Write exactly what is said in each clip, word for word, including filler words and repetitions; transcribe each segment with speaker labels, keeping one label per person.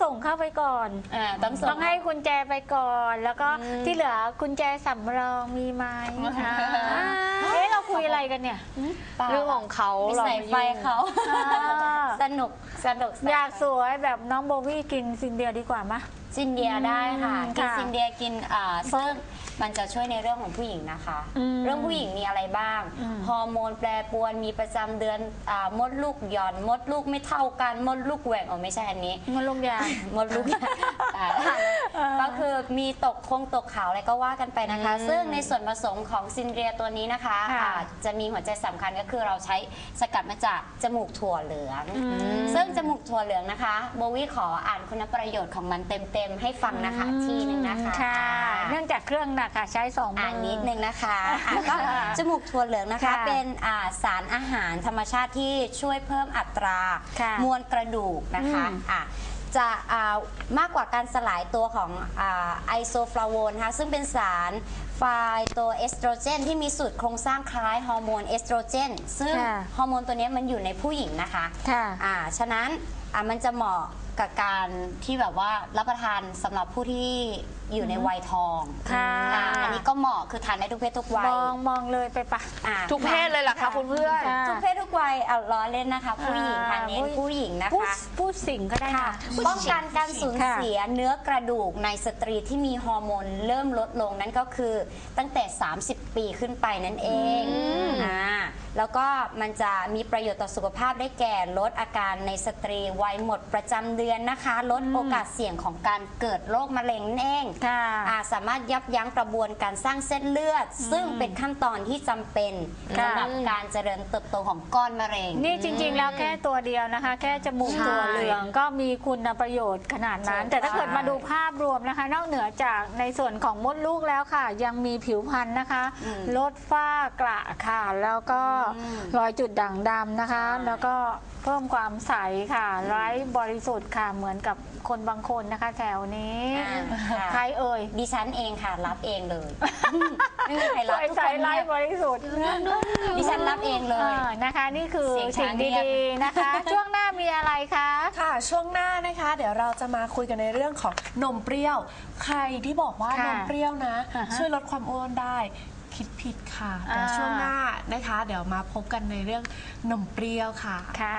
Speaker 1: ส่งเข้าไปก่อน
Speaker 2: อ่าต้องส่ง
Speaker 1: ต้องให้กุญแจไปก่อนแล้วก็ที่เหลือกุญแจสำรองมีไหมเอ๊ะเราคุยอะไรกันเนี่ย
Speaker 3: เรื่องของเขา
Speaker 2: เราใส่ไฟเขาสนุกสนุก
Speaker 1: อยากสวยแบบน้องโบวี่กินซินเดียดีกว่าไหม
Speaker 2: ซินเดียได้ค่ะกินซินเดียกินอ่าซึ่งมันจะช่วยในเรื่องของผู้หญิงนะคะเรื่องผู้หญิงมีอะไรบ้างฮอร์โมนแปรปรวนมีประจำเดือนมดลูกหย่อนมดลูกไม่เท่ากันมดลูกแหว่งอ๋อไม่ใช่อันนี้
Speaker 1: มดลูกยาง
Speaker 2: มดลูกก็คือมีตกคงตกขาวอะไรก็ว่ากันไปนะคะซึ่งในส่วนผสมของซินเดียตัวนี้นะคะจะมีหัวใจสำคัญก็คือเราใช้สกัดมาจากจมูกถั่วเหลืองซึ่งจมูกถั่วเหลืองนะคะโบวี่ขออ่านคุณประโยชน์ของมันเต็มๆให้ฟังนะคะทีนึงนะคะ
Speaker 1: เนื่องจากเครื่องหนักค่ะใช้สองมือ
Speaker 2: อ่านนิดนึงนะคะก็จมูกถั่วเหลืองนะคะเป็นสารอาหารธรรมชาติที่ช่วยเพิ่มอัตรามวลกระดูกนะคะจะมากกว่าการสลายตัวของไอโซฟลาโวนนะคะซึ่งเป็นสารไฟโตเอสโตรเจนที่มีสูตรโครงสร้างคล้ายฮอร์โมนเอสโตรเจนซึ่งฮอร์โมนตัวนี้มันอยู่ในผู้หญิงนะคะฉะนั้นมันจะเหมาะกับการที่แบบว่ารับประทานสำหรับผู้ที่อยู่ในวัยทองอันนี้ก็เหมาะคือทานได้ทุกเพศทุกวัย
Speaker 1: มองมองเลยไปปะ
Speaker 3: ทุกเพศเลยเหรอคะคุณเพื่อน
Speaker 2: ทุกเพศทุกวัยเอาล้อเล่นนะคะผู้หญิงทานเน้นผู้หญิงนะคะ
Speaker 1: ผู้สิงก็ได้ค่ะ
Speaker 2: ป้องกันการสูญเสียเนื้อกระดูกในสตรีที่มีฮอร์โมนเริ่มลดลงนั่นก็คือตั้งแต่สามสิบปีขึ้นไปนั่นเองอ่าแล้วก็มันจะมีประโยชน์ต่อสุขภาพได้แก่ลดอาการในสตรีวัยหมดประจำเดือนนะคะลดโอกาสเสี่ยงของการเกิดโรคมะเร็งเองสามารถยับยั้งกระบวนการสร้างเส้นเลือดซึ่งเป็นขั้นตอนที่จำเป็นสำหรับการเจริญเติบโตของก้อนมะเร็ง
Speaker 1: นี่จริงๆแล้วแค่ตัวเดียวนะคะแค่จมูกตัวเหลืองก็มีคุณประโยชน์ขนาดนั้นแต่ถ้าเกิดมาดูภาพรวมนะคะนอกเหนือจากในส่วนของมดลูกแล้วค่ะยังมีผิวพรรณนะคะลดฝ้ากระค่ะแล้วก็รอยจุดด่างดำนะคะแล้วก็เพิ่มความใสค่ะไร้บริสุทธิ์ค่ะเหมือนกับคนบางคนนะคะแถวนี้ใครเอ่ย
Speaker 2: ดิฉันเองค่ะรับเองเลยไม่มีใครรับ
Speaker 1: ทุกคนไร้บริสุทธิ์
Speaker 2: ดิฉันรับเองเลย
Speaker 1: นะคะนี่คือสิ่งดีๆนะคะช่วงหน้ามีอะไรคะ
Speaker 4: ค่ะช่วงหน้านะคะเดี๋ยวเราจะมาคุยกันในเรื่องของนมเปรี้ยวใครที่บอกว่านมเปรี้ยวนะช่วยลดความอ้วนได้คิดผิดค่ะแต่ช่วงหน้านะคะเดี๋ยวมาพบกันในเรื่องนมเปรี้ยวค่ะ
Speaker 1: ค่ะ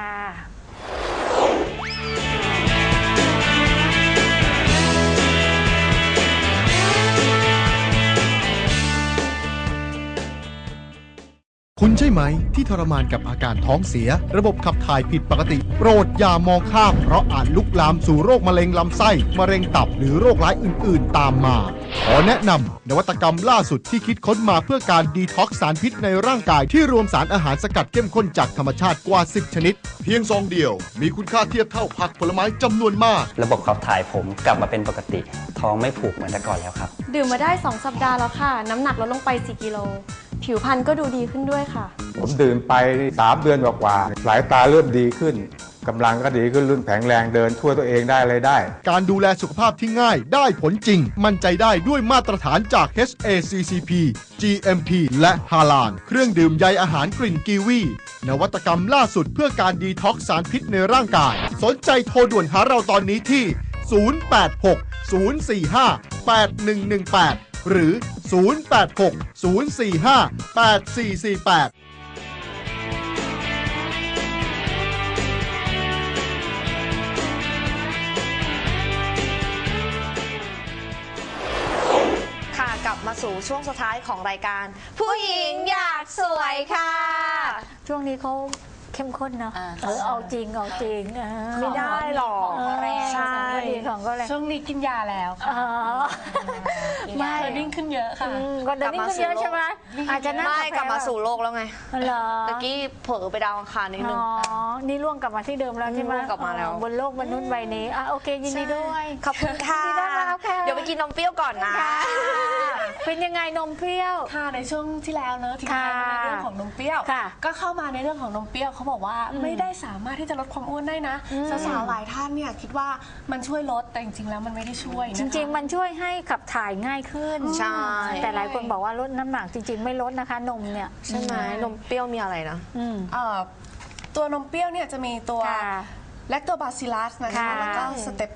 Speaker 5: คุณใช่ไหมที่ทรมานกับอาการท้องเสียระบบขับถ่ายผิดปกติโปรดอย่ามองข้ามเพราะอาจลุกลามสู่โรคมะเร็งลำไส้มะเร็งตับหรือโรคร้ายอื่นๆตามมาขอแนะนำนวัตกรรมล่าสุดที่คิดค้นมาเพื่อการดีท็อกซ์สารพิษในร่างกายที่รวมสารอาหารสกัดเข้มข้นจากธรรมชาติกว่าสิบชนิดเพียงซองเดียวมีคุณค่าเทียบเท่าผักผลไม้จำนวนมาก
Speaker 6: ระบบขับถ่ายผมกลับมาเป็นปกติท้องไม่ผูกเหมือนแต่ก่อนแล้วครับ
Speaker 7: ดื่มมาได้สองสัปดาห์แล้วค่ะน้ำหนักลดลงไปสี่กิโลผิวพรรณก็ดูดีขึ้นด้วยค่ะ
Speaker 8: ผมดื่มไปสามเดือนกว่าๆสายตาเริ่มดีขึ้นกำลังก็ดีขึ้นรุ่นแข็งแรงเดินช่วยตัวเองได้อะไรได้
Speaker 5: การดูแลสุขภาพที่ง่ายได้ผลจริงมั่นใจได้ด้วยมาตรฐานจาก เอช เอ ซี ซี พี จี เอ็ม พี และฮาลาลเครื่องดื่มใยอาหารกลิ่นกีวีนวัตกรรมล่าสุดเพื่อการดีท็อกซ์สารพิษในร่างกายสนใจโทรด่วนหาเราตอนนี้ที่ศูนย์ แปด หก ศูนย์ สี่ ห้า แปด หนึ่ง หนึ่ง แปดหรือศูนย์ แปด หก ศูนย์ สี่ ห้า แปด สี่ สี่ แปด
Speaker 3: ค่ะกลับมาสู่ช่วงสุดท้ายของรายการผู้หญิงอยากสวยค่ะ
Speaker 1: ช่วงนี้เขาเข้มข้นเนาะเออเอาจริงเอาจริง
Speaker 3: ไม่ได้หรอก
Speaker 1: ใช่ของก็เลย
Speaker 4: ช่วงนี้กินยาแล้วค่ะไม่เดนิ่งขึ้นเยอะค่ะ
Speaker 1: ก็เดนิ่งขึ้นเยอะใช่ไหมอาจจะ
Speaker 3: ไม่กลับมาสู่โลกแล้วไง
Speaker 1: เหรอ
Speaker 3: ตะกี้เผลอไปดาวอังคารนิดนึง
Speaker 1: อ๋อนี่ล่วงกลับมาที่เดิมแล้วใช่ไหม
Speaker 3: กลับมาแล้ว
Speaker 1: บนโลกมนุษย์ใบนี้อ่ะโอเคยินดีด้วย
Speaker 3: ขอบคุณค่ะเดี๋ยวไปกินนมเปรี้ยวก่อนนะ
Speaker 1: เป็นยังไงนมเปรี้ยว
Speaker 4: ค่ะในช่วงที่แล้วเนอะที่ทายในเรื่องของนมเปรี้ยวก็เข้ามาในเรื่องของนมเปรี้ยวเขาบอกว่าไม่ได้สามารถที่จะลดความอ้วนได้นะสาวๆหลายท่านเนี่ยคิดว่ามันช่วยลดแต่จริงๆแล้วมันไม่ได้ช่วย
Speaker 1: จริงๆมันช่วยให้ขับถ่ายง่ายขึ้น
Speaker 3: ใช่
Speaker 1: แต่หลายคนบอกว่าลดน้ำหนักจริงๆไม่ลดนะคะนมเนี่ย
Speaker 3: ใช่ไหมนมเปรี้ยวมีอะไรนะ
Speaker 4: ตัวนมเปรี้ยวเนี่ยจะมีตัวแลคโตบาซิลัสนะคะแล้วก็สเตป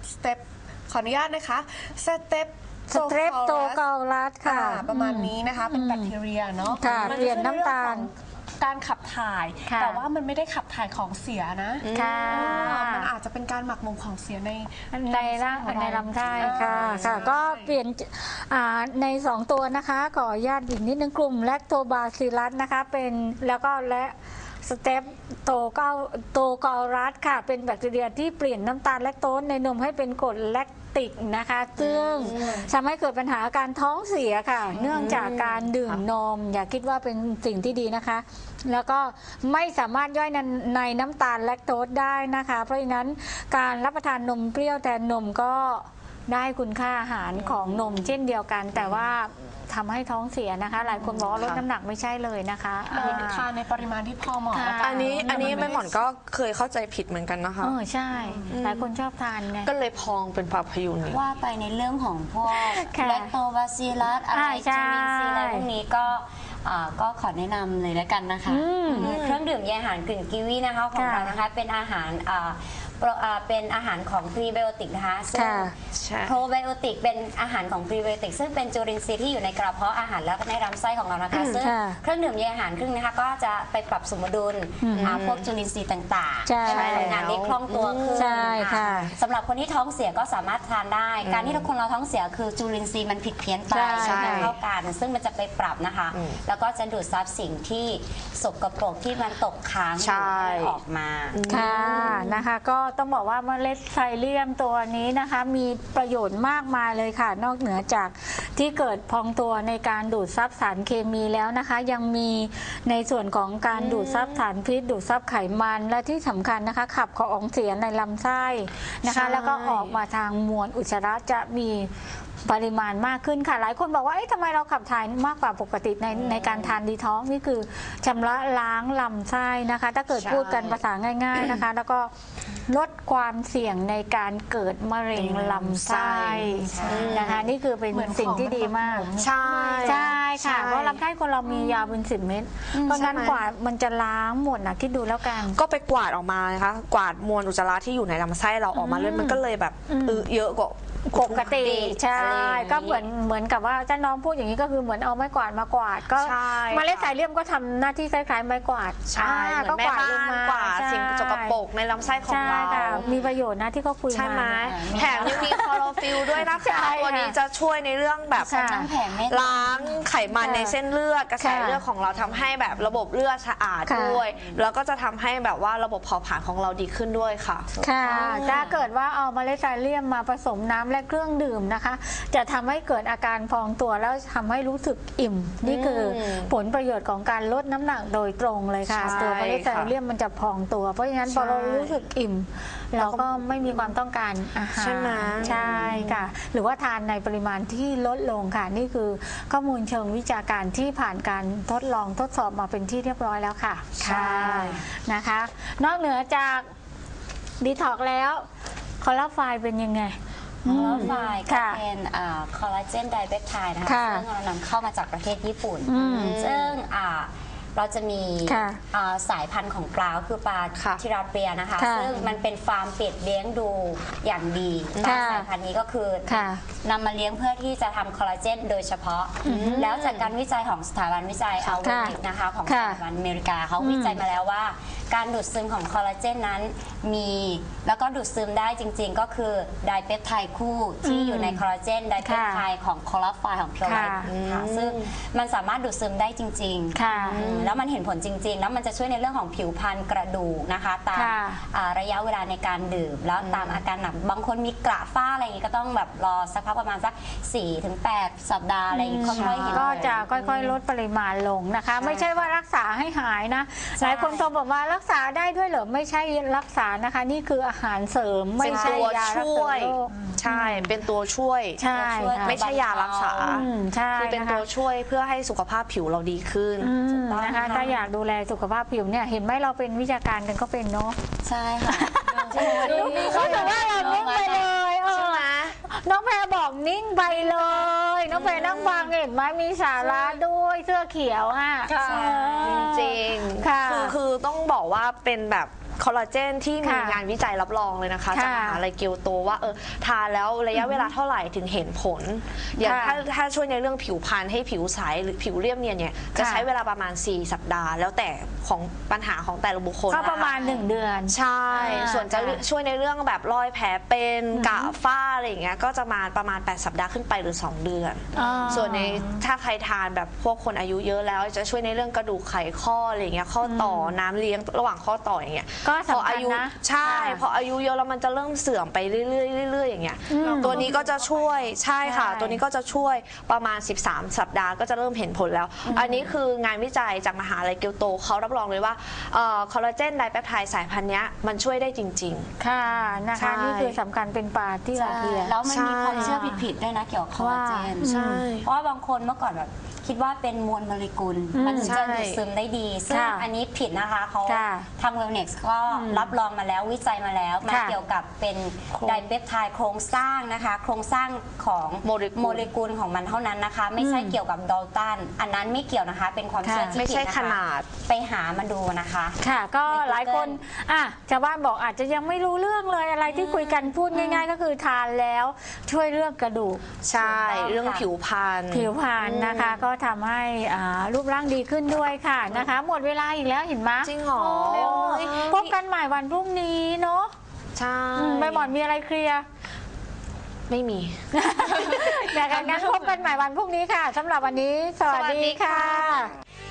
Speaker 4: สเต็ปขออนุญาตนะคะสเต็ป
Speaker 1: สเตรปโตเกาลัสค่ะ
Speaker 4: ประมาณนี้นะคะเป็นแบคทีเรียเนาะ
Speaker 1: ค่ะ
Speaker 4: มั
Speaker 1: เปลี่ยนน้ำตาล
Speaker 4: การขับถ่าย
Speaker 1: ค่ะ
Speaker 4: แต่ว่ามันไม่ได้ขับถ่ายของเสียนะ
Speaker 1: ค่ะ
Speaker 4: อ่ามันอาจจะเป็นการหมักหมมของเสียใน
Speaker 1: ในร่าง
Speaker 4: ของเรา
Speaker 1: ในลำไส้ค่ะ
Speaker 4: อ่า
Speaker 1: ค่ะ
Speaker 4: ใช่
Speaker 1: ก็เปลี่ยนอ่าในสองตัวนะคะขออนุญาตอีกนิดนึงกลุ่มแลคโตบาซิลลัสนะคะเป็นแล้วก็และสเตปโตเกาโตเกาลัสค่ะเป็นแบคทีเรียที่เปลี่ยนน้ำตาลแลคโตสในนมให้เป็นกรดแลคติกนะคะซึ่งทำให้เกิดปัญหาการท้องเสียค่ะ เนื่องจากการดื่มนม อย่าคิดว่าเป็นสิ่งที่ดีนะคะ แล้วก็ไม่สามารถย่อยในในน้ำตาลแลคโตสได้นะคะ เพราะฉะนั้นการรับประทานนมเปรี้ยวแทนนมก็ได้คุณค่าอาหารของนมเช่นเดียวกัน แต่ว่าทำให้ท้องเสียนะคะ หลายคนบอกว่าลดน้ำหนักไม่ใช่เลยนะคะ
Speaker 4: ทานในปริมาณที่พอเหมาะ
Speaker 1: ค่ะ
Speaker 4: แล้วกั
Speaker 3: อันนี้อันนี้แม่หมอนก็เคยเข้าใจผิดเหมือนกันนะคะ
Speaker 1: เออใช่ หลายคนชอบทานไง
Speaker 3: ก็เลยพองเป็นปลาพยูนนี่
Speaker 2: ว่าไปในเรื่องของพวก
Speaker 1: ค่ะ
Speaker 2: แลคโตบาซิลลัสอะไร
Speaker 1: อ่าใช่
Speaker 2: จูลินทรีย์อะไรพวกนี้ก็อ่าก็ขอแนะนำเลยแล้วกันนะคะ
Speaker 1: อืม
Speaker 2: เครื่องดื่มใยอาหารกลิ่นกีวีนะคะของ
Speaker 1: ค่ะ
Speaker 2: เรานะคะเป็นอาหารอ่าโปรอ่าเป็นอาหารของพรีไบโอติกนะคะซึ่ง
Speaker 1: ค่ะ
Speaker 3: ใช่
Speaker 2: โปรไบโอติกเป็นอาหารของพรีไบโอติกซึ่งเป็นจุลินทรีย์ที่อยู่ในกระเพาะอาหารและในลำไส้ของเรานะคะซึ่ง
Speaker 1: ค่ะ
Speaker 2: เครื่องดื่มใยอาหารครึ่งนะคะก็จะไปปรับสมดุลอ่าพวกจุลินทรีย์ต่างๆ
Speaker 1: ใช่
Speaker 2: ให้มันทำงานได้คล่องตัวขึ้น
Speaker 1: ใช่ค่ะ
Speaker 2: สำหรับคนที่ท้องเสียก็สามารถทานได้ การที่ทุกคนเราท้องเสียคือจุลินทรีย์มันผิดเพี้ยนไป
Speaker 1: ใช่
Speaker 2: ไม่เท่ากันซึ่งมันจะไปปรับนะคะ แล้วก็จะดูดซับสิ่งที่สกปรกที่มันตกค้างอยู่ให้ออกมา
Speaker 1: ค่ะนะคะก็ต้องบอกว่าเมล็ดไซเลียมตัวนี้นะคะมีประโยชน์มากมายเลยค่ะ นอกเหนือจากที่เกิดพองตัวในการดูดซับสารเคมีแล้วนะคะ ยังมีในส่วนของการดูดซับสารพิษดูดซับไขมันและที่สำคัญนะคะ ขับของเสียในลำไส้นะคะ แล้วก็ออกมาทางมวลอุจจาระจะมีปริมาณมากขึ้นค่ะ หลายคนบอกว่าเอ๊ะทำไมเราขับถ่ายมากกว่าปกติในในการทานดีท็อกซ์นี่คือชำระล้างลำไส้นะคะ ถ้าเกิดพูดกันภาษาง่าย ๆนะคะ แล้วก็ลดความเสี่ยงในการเกิดมะเร็งลำไส้นะคะนี่คือเป็น
Speaker 4: เหมือน
Speaker 1: สิ่งที่ดีมาก
Speaker 3: ใช่
Speaker 1: ใช่ค่ะ
Speaker 3: ใช่
Speaker 1: เพราะลำไส้คนเรามียาวเป็นสิบเม็ดเพราะงั้น
Speaker 3: ใช่ไหม
Speaker 1: กว่ามันจะล้างหมดนะคิดดูแล้วกัน
Speaker 3: ก็ไปกวาดออกมานะคะ กวาดมวลอุจจาระที่อยู่ในลำไส้เราออกมาเลยมันก็เลยแบบ
Speaker 1: อืม
Speaker 3: เออเยอะกว่า
Speaker 1: ปกติใช่
Speaker 3: อะไรอย่างนี้
Speaker 1: ก็เหมือนเหมือนกับว่าเจ้าน้องพูดอย่างนี้ก็คือเหมือนเอาไม้กวาดมากวาดก็
Speaker 3: ใช่
Speaker 1: เมล็ดสายเลี่ยมก็ทำหน้าที่คล้ายๆไม้กวาด
Speaker 3: ใช่
Speaker 1: อ่า
Speaker 3: เหมือนแม่บ้านกวาดสิ่งสกปรกในลำไส้ของ
Speaker 1: ใช่
Speaker 3: เรา
Speaker 1: ค่ะมีประโยชน์นะที่เขาคุย
Speaker 3: ใช่ไหม
Speaker 1: มา
Speaker 3: แถมยังมีคลอโรฟิลล์ด้วยนะ
Speaker 1: ใช่
Speaker 3: คะ
Speaker 1: ค่ะ
Speaker 3: ตัวนี้จะช่วยในเรื่องแบบ
Speaker 1: ค่ะ
Speaker 2: น้ำแข็งไม่
Speaker 3: ล้างไขมัน
Speaker 1: ค่ะ
Speaker 3: ในเส้นเลือดกระแส
Speaker 1: ค่ะ
Speaker 3: เลือดของเราทำให้แบบระบบเลือดสะอาด
Speaker 1: ค่ะ
Speaker 3: ด้วย แล้วก็จะทำให้แบบว่าระบบเผาผลาญของเราดีขึ้นด้วยค่ะ
Speaker 1: ค่ะถ้าเกิดว่าเอาเมล็ดไซเลียมมาผสมน้ำและเครื่องดื่มนะคะ จะทำให้เกิดอาการพองตัวแล้วทำให้รู้สึกอิ่ม นี่คืออ
Speaker 3: ม
Speaker 1: ผลประโยชน์ของการลดน้ำหนักโดยตรงเลยค่ะ
Speaker 3: ใช่
Speaker 1: ตัวเมล็ดไซเลียมมันจะพองตัว เพราะฉะนั้นพอเรารู้สึกอิ่ม เราก็ไม่มีความต้องการอาหาร
Speaker 3: ใช่ไหม
Speaker 1: ใช่ค่ะ หรือว่าทานในปริมาณที่ลดลงค่ะ นี่คือข้อมูลเชิงวิชาการที่ผ่านการทดลองทดสอบมาเป็นที่เรียบร้อยแล้วค่ะค่ะนะคะ นอกเหนือจากดีท็อกแล้วคอลลาไฟล์เป็นยังไง
Speaker 2: คอลลาไฟล์ก็
Speaker 1: ค่ะ
Speaker 2: เป็นคอลลาเจนไดเปปไทด์นะคะ
Speaker 1: ค่ะ
Speaker 2: ซึ่งเรานำเข้ามาจากประเทศญี่ปุ่น
Speaker 1: อืม
Speaker 2: ซึ่งอ่าเราจะมี
Speaker 1: ค่ะ
Speaker 2: อ่าสายพันธุ์ของปลาคือปลา
Speaker 3: ค่ะ
Speaker 2: ทิราเปียนะคะ
Speaker 1: ค่ะ
Speaker 2: ซึ่งมันเป็นฟาร์มเป็ดเลี้ยงดูอย่างดีปลา
Speaker 1: ค่ะ
Speaker 2: สายพันธุ์นี้ก็คือ
Speaker 1: ค่ะ
Speaker 2: นำมาเลี้ยงเพื่อที่จะทำคอลลาเจนโดยเฉพาะ แล้วจากการวิจัยของสถาบันวิจัยอัลเวนิกนะคะของส
Speaker 1: ค่ะ
Speaker 2: ถาบันอเมริกาเขาวิจัยมาแล้วว่า การดูดซึมของคอลลาเจนนั้นมีแล้วก็ดูดซึมได้จริงๆ ก็คือไดเปปไทด์คู่ที่อยู่ในคอลลาเจนไดเปปไทด์ของคอลลาไฟล์ของเพียวไลท์
Speaker 1: ค่ะ
Speaker 2: ค่ะซึ่งมันสามารถดูดซึมได้จริงๆ
Speaker 1: ค่ะ
Speaker 2: อืมแล้วมันเห็นผลจริง ๆ แล้วมันจะช่วยในเรื่องของผิวพรรณกระดูกนะคะ ตาม
Speaker 1: ค่ะ
Speaker 2: อ่าระยะเวลาในการดื่ม แล้วตามอาการหนักบางคนมีกระฝ้าอะไรอย่างนี้ก็ต้องแบบรอสักพักประมาณสัก สี่ถึงแปด สัปดาห์อะไรอย่างนี้ค่อยๆเห็นผล
Speaker 1: ก็จะค่อยๆ ลดปริมาณลงนะคะ ไม่ใช่ว่ารักษาให้หายนะ หลายคนโทรบอกว่ารักษาได้ด้วยเหรอไม่ใช่รักษานะคะ นี่คืออาหารเสริมไม่ใช่ยารัก
Speaker 3: ช่
Speaker 1: ษา
Speaker 3: วย
Speaker 1: โรค
Speaker 3: ใช่เป็นตัวช่วย
Speaker 1: ใช่ค่ะ
Speaker 3: ไม่ใช่ยารักษา
Speaker 1: อืมใช่
Speaker 3: คือเป็น
Speaker 1: นะคะ
Speaker 3: ตัวช่วยเพื่อให้สุขภาพผิวเราดีขึ้น
Speaker 1: อืม
Speaker 2: ถูกต้อง
Speaker 1: นะคะ
Speaker 2: ค่ะ
Speaker 1: ถ้าอยากดูแลสุขภาพผิวเนี่ยเห็นไหมเราเป็นวิชาการกันก็เป็นเนาะ
Speaker 2: ใช่ค่ะ
Speaker 1: รู้สึกว่าเรานิ่งไปเลยเออน้องแพรบอกนิ่งไปเลย น้องแพรนั่งฟังเห็นไหมมีสาระด้วยเสื้อเขียวอ่ะ
Speaker 3: จริงๆ
Speaker 1: ค่ะ
Speaker 3: คือคือต้องบอกว่าเป็นแบบคอลลาเจนที่มี
Speaker 1: ค่ะ
Speaker 3: งานวิจัยรับรองเลยนะคะ
Speaker 1: ค่ะ
Speaker 3: จากมหาลัยเกียวโตว่าเออทานแล้วระยะเวลาเท่าไหร่ถึงเห็นผล อย่าง
Speaker 1: ค่ะ
Speaker 3: ถ้าถ้าช่วยในเรื่องผิวพรรณให้ผิวใสหรือผิวเรียบเนียนเนี่ยจะ
Speaker 1: ค่ะ
Speaker 3: ใช้เวลาประมาณ สี่ สัปดาห์ แล้วแต่ของปัญหาของแต่ละบุคคล
Speaker 1: ก็
Speaker 3: นค
Speaker 1: ประมาณหนึ่งเดือน
Speaker 3: ใช่
Speaker 1: อ่า
Speaker 3: ส่วนจะ
Speaker 1: ค่ะ
Speaker 3: ช่วยในเรื่องแบบรอยแผลเป็นกระฝ้าอะไรอย่างเงี้ยก็จะมาประมาณ แปด สัปดาห์ขึ้นไปหรือ สอง เดือน
Speaker 1: อ๋อ
Speaker 3: ส่วนในถ้าใครทานแบบพวกคนอายุเยอะแล้วจะช่วยในเรื่องกระดูกไขข้ออะไรอย่างเงี้ยข้อต่อน้ำเลี้ยงระหว่างข้อต่ออย่างเงี้ย
Speaker 1: ก็
Speaker 3: พอ
Speaker 1: สำคั
Speaker 3: อา
Speaker 1: ญ
Speaker 3: ยุ
Speaker 1: นะ
Speaker 3: ใช่
Speaker 1: ค่ะ
Speaker 3: พออายุเยอะแล้วมันจะเริ่มเสื่อมไปเรื่อยๆเรื่อยๆอย่างเงี้ย
Speaker 1: อืม
Speaker 3: ตัวนี้ก็จะช่วยใช่ค่ะ
Speaker 1: ใช่
Speaker 3: ตัวนี้ก็จะช่วยประมาณ สิบสาม สัปดาห์ก็จะเริ่มเห็นผลแล้ว อันนี้คืองานวิจัยจากมหาลัยเกียวโตเขารับรองเลยว่าคอลลาเจนไดแปปไทด์สายพันธุ์เนี้ยมันช่วยได้จริง
Speaker 1: ค่ะนะ
Speaker 3: ใช่
Speaker 1: คะนี่คือสำคัญเป็นปลาที่ลาเทีย
Speaker 2: แล้วมันมี
Speaker 3: ใช่
Speaker 2: ความเชื่อผิดๆด้วยนะเกี่ยวกับคอลลาเจน
Speaker 3: ใช่
Speaker 2: เพราะว่าบางคนเมื่อก่อนแบบคิดว่าเป็นมวลโมเลกุล
Speaker 1: อืม
Speaker 2: มันถึงจะ
Speaker 3: ใช่
Speaker 2: ดูดซึมได้ดี ซึ่ง
Speaker 1: ค่ะ
Speaker 2: อันนี้ผิดนะคะเขา
Speaker 1: ค่ะ
Speaker 2: ทางเวลเน็กซ์ก็รับรองมาแล้ววิจัยมาแล้วมัน
Speaker 1: ค่ะ
Speaker 2: เกี่ยวกับเป็นไดเปปไทด์โครงสร้างนะคะ โครงสร้างของ
Speaker 3: โมเลกุล
Speaker 2: โมเลกุลของมันเท่านั้นนะคะ ไม่ใช่เกี่ยวกับดอลตันอันนั้นไม่เกี่ยวนะคะ เป็นความเชื่อ
Speaker 1: ค่ะ
Speaker 2: ที่
Speaker 3: ไม่
Speaker 2: ผิด
Speaker 3: ใช่
Speaker 2: นะคะ
Speaker 3: ขนาด
Speaker 2: ไปหามาดูนะคะ
Speaker 1: ค่ะก็
Speaker 2: ใน Google
Speaker 1: หลายคนอ่ะชาวบ้านบอกอาจจะยังไม่รู้เรื่องเลยอะไรที่คุยกันพูดง่าย ๆ ก็คือทานแล้วช่วยเรื่องกระดูก
Speaker 3: ใช่
Speaker 2: ถูกต้อง
Speaker 3: เรื่อง
Speaker 2: ค่ะ
Speaker 3: ผิวพรรณ
Speaker 1: ผิวพรรณนะคะ ก็ทำให้อ่ารูปร่างดีขึ้นด้วยค่ะนะคะ หมดเวลาอีกแล้วเห็นไหม
Speaker 3: จริงเหรอ
Speaker 1: โอ้ยพบกันใหม่วันพรุ่งนี้เนาะ
Speaker 3: ใช่
Speaker 1: อืมใบหมอนมีอะไรเคลียร์
Speaker 3: ไม่มี
Speaker 1: แต่กันงั้นพบกันใหม่วันพรุ่งนี้ค่ะสำหรับวันนี้ สวัส
Speaker 3: สวัสดี
Speaker 1: ดี
Speaker 3: ค่ะ
Speaker 1: ค่ะ